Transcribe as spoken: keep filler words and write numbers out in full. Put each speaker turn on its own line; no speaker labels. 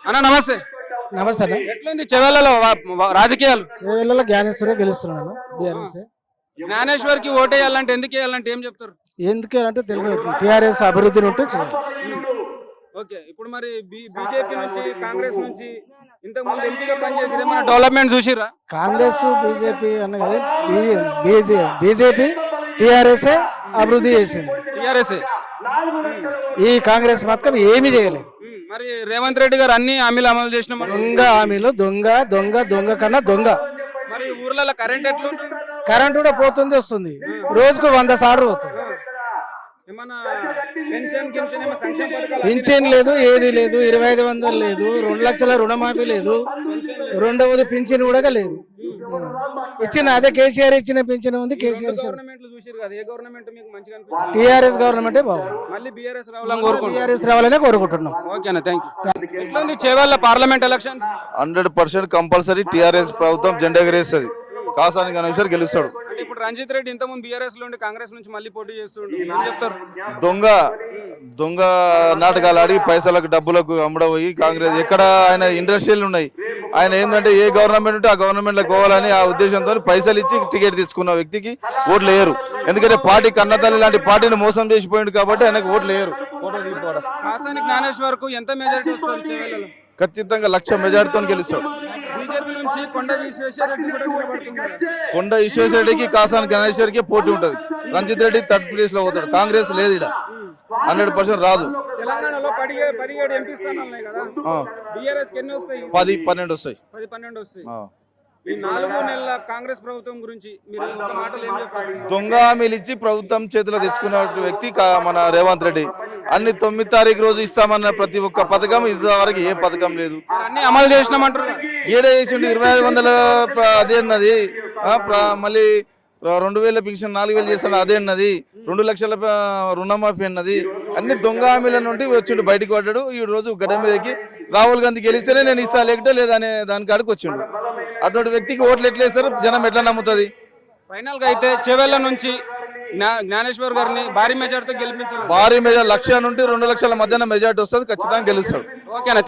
అన్న నమస్తే.
నమస్తే అన్న.
ఎట్లుంది చెవెళ్లలో రాజకీయాలు?
చేవెళ్ళలో జ్ఞానేశ్వరే గెలుస్తున్నాను బీఆర్ఎస్.
జ్ఞానేశ్వర్ కి ఓటేయాలంటే ఎందుకు వేయాలంటే ఏం చెప్తారు?
ఎందుకంటే తెలుగు టీఆర్ఎస్ అభివృద్ధిని ఉంటే చేయాలి.
ఓకే, ఇప్పుడు మరి బీజేపీ నుంచి కాంగ్రెస్ నుంచి ఇంతకు ముందు ఎంపీగా పనిచేసి ఏమైనా డెవలప్మెంట్ చూసిరా?
కాంగ్రెస్ బీజేపీ అన్న కదా, బీజేపీ టీఆర్ఎస్ అభివృద్ధి చేసింది.
టీఆర్ఎస్
ఈ కాంగ్రెస్ మాత్రం ఏమీ చేయలేదు.
మరి రేవంత్ రెడ్డి గారు అన్ని హామీలు అమలు చేసిన
దొంగ హామీలు, దొంగ దొంగ దొంగ కన్నా దొంగ.
మరి ఊర్లలో కరెంట్ ఎట్లా
కరెంట్ కూడా పోతుంది వస్తుంది, రోజుకు వంద సార్లు పోతుంది. పింఛన్ లేదు, ఏది లేదు, ఇరవై ఐదు వందలు లేదు, రెండు లక్షల రుణమాఫీ లేదు, రెండవది పింఛన్ కూడా లేదు. ఇచ్చిన అదే కేసీఆర్ ఇచ్చిన పింఛన్ ఉంది. కేసీఆర్ టీఆర్ఎస్ గవర్నమెంటే బాగుంది. బీఆర్ఎస్ రావాలనే కోరుకుంటున్నాం.
ఎట్లుంది Chevella parliament election?
Hundred percent compulsory TRS ప్రభుత్వం జెండా ఎగరేస్తుంది. కాసాని గణేశ్వర్ గెలుస్తాడు.
ఇప్పుడు రంజిత్ రెడ్డి ఇంతకుముందు బీఆర్ఎస్ లో ఉండి కాంగ్రెస్ నుంచి మళ్ళీ పోటీ చేస్తుండు, ఏం చెప్తారు?
దొంగ దొంగ నాటకాలు ఆడి పైసలకు డబ్బులకు అమ్మడపోయి కాంగ్రెస్ ఎక్కడ ఆయన ఇండస్ట్రీలు ఉన్నాయి. ఆయన ఏంటంటే ఏ గవర్నమెంట్ ఉంటే ఆ గవర్నమెంట్ లో పోవాలని ఆ ఉద్దేశంతో పైసలు ఇచ్చి టికెట్ తీసుకున్న వ్యక్తికి ఓట్లు వేయరు. ఎందుకంటే పార్టీ కన్నతల్లి లాంటి పార్టీని మోసం చేసిపోయింది కాబట్టి ఆయనకు ఓట్లు వేయరు.
కాసాని జ్ఞానేశ్వర్ కు ఎంత మెజారిటీ వస్తుంది చేవెళ్ళలో?
ఖచ్చితంగా లక్ష మెజారిటీతో గెలుస్తాడు.
బీజేపీ నుంచి కొండ విశ్వేశ్వరరెడ్డి కూడా నిలబడుతున్నారు.
కొండ విశ్వేశ్వరరెడ్డికి కాసాని గణేశ్వర్కి పోటీ ఉంటది. రంజిత్ రెడ్డి థర్డ్ ప్లేస్ లో పోతాడు. కాంగ్రెస్ లేదు ఇక్కడ, హండ్రెడ్ పర్సెంట్ రాదు.
తెలంగాణలో పదిహేడు ఎంపీ స్థానాలు కదా, బీఆర్ఎస్ ఎన్ని వస్తాయి?
పది పన్నెండు వస్తాయి.
పది పన్నెండు వస్తాయి. ఈ నాలుగు నెలల కాంగ్రెస్ ప్రభుత్వం గురించి మీరు ఒక మాటలు ఏం చెప్తారు?
దొంగ హామీలు ఇచ్చి ప్రభుత్వం చేతిలో తెచ్చుకున్న వ్యక్తి మన రేవంత్ రెడ్డి. అన్ని తొమ్మిది తారీఖు రోజు ఇస్తామన్న ప్రతి ఒక్క పథకం ఇంతవరకు ఏ పథకం లేదు.
అన్ని అమలు చేసినామంటారు.
ఏడే చేసిండు. ఇరవై ఐదు వందల అదే అన్నది, మళ్ళీ రెండు వేల పింఛన్ నాలుగు వేలు చేస్తాడు అదే అన్నది, రెండు లక్షల రుణమాఫీ అన్నది. అన్ని దొంగ హామీల నుండి వచ్చిండు, బయటకు పడ్డాడు. ఈ రోజు గడ్డ మీదకి రాహుల్ గాంధీ గెలిస్తేనే నేను ఇస్తా లేకపోతే లేదనే దాని కాడికి వచ్చిండు. అటువంటి వ్యక్తికి ఓట్లు ఎట్లా వేస్తారు, జనం ఎట్లా నమ్ముతుంది?
ఫైనల్ గా అయితే చేవెళ్ళ నుంచి జ్ఞానేశ్వర్ గారిని భారీ మెజార్టీతో గెలిపించాలి.
భారీ మెజార్ లక్ష నుండి రెండు లక్షల మధ్యన మెజార్టీ వస్తుంది, ఖచ్చితంగా గెలుస్తాడు.
ఓకేనా?